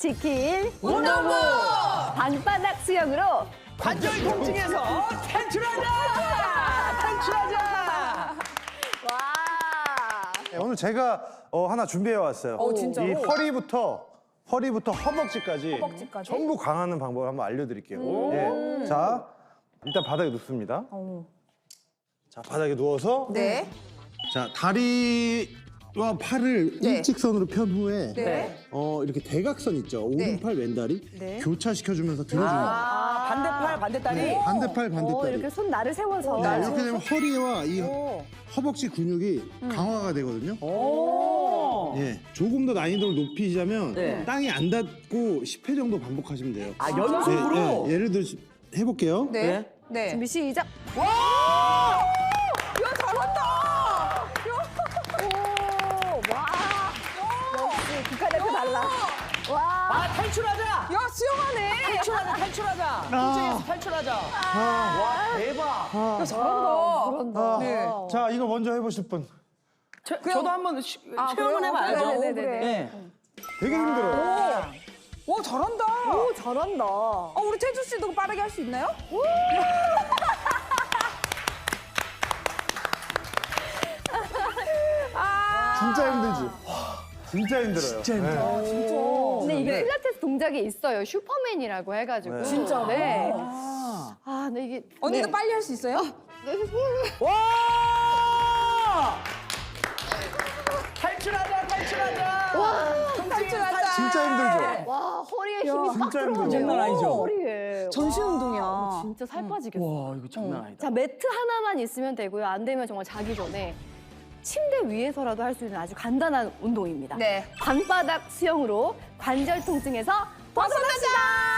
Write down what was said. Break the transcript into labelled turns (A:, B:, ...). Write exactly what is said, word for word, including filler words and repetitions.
A: 지킬
B: 운동부!
A: 방바닥 수영으로
B: 관절 통증에서 탈출하자! 탈출하자!
A: 와.
C: 네, 오늘 제가 어, 하나 준비해 왔어요.
B: 어, 진짜로?
C: 이 허리부터 허리부터 허벅지까지,
B: 허벅지까지?
C: 전부 강하는 방법을 한번 알려드릴게요. 예. 자, 일단 바닥에 눕습니다. 자, 바닥에 누워서
B: 네.
C: 자 다리와 팔을
B: 네.
C: 일직선으로 편 후에
B: 네.
C: 어, 이렇게 대각선 있죠. 오른팔 왼다리
B: 네.
C: 교차시켜주면서 들어주는 거예요.
B: 아, 반대팔, 반대다리?
C: 네, 반대팔
A: 어,
C: 반대다리.
A: 이렇게 손 나를 세워서.
C: 네, 이렇게 되면 허리와 이 허벅지 근육이 강화가 되거든요. 예, 조금 더 난이도를 높이자면
B: 네.
C: 땅이 안 닿고 십 회 정도 반복하시면 돼요.
B: 아, 연속으로?
C: 예, 예, 예를 들어 해볼게요.
B: 네. 네.
A: 준비 시작.
B: 와! 야, 잘한다!
A: 오, 와. 역시 국가대표 달라. 와.
B: 아, 탈출하자!
A: 야, 수영하네.
B: 탈출하자, 탈출하자! 통증에서 탈출하자!
C: 아,
B: 와, 대박!
A: 야, 잘한다. 잘한다.
C: 아,
B: 네.
C: 자, 이거 먼저 해보실 분.
B: 저, 저도 한번 시,
A: 아,
B: 체험을
A: 그래요?
B: 해봐야죠.
A: 네네네네.
B: 네.
C: 되게 힘들어요.
D: 와 잘한다.
A: 오, 잘한다.
D: 어, 우리 태주 씨도 빠르게 할 수 있나요?
C: 진짜 힘들지? 진짜 힘들어요. 진짜 힘들어.
A: 근데 이게 필라테스 동작이 있어요. 슈퍼맨이라고 해가지고.
C: 네.
A: 진짜? 네. 아, 근데 이게.
D: 언니도
A: 네.
D: 빨리 할 수 있어요?
B: 와! 탈출하자, 탈출하자!
D: 탈출하자.
C: 진짜 힘들죠?
A: 와, 허리에 힘이 빡
C: 진짜 힘들어.
A: 들어가네요.
B: 장난 아니죠?
A: 허리에.
D: 전신
A: 와,
D: 운동이야.
A: 진짜 살 빠지겠어.
B: 와, 이거 장난 아니다.
A: 자, 매트 하나만 있으면 되고요. 안 되면 정말 자기 전에 침대 위에서라도 할 수 있는 아주 간단한 운동입니다.
D: 네.
A: 방바닥 수영으로 관절 통증에서 벗어나자!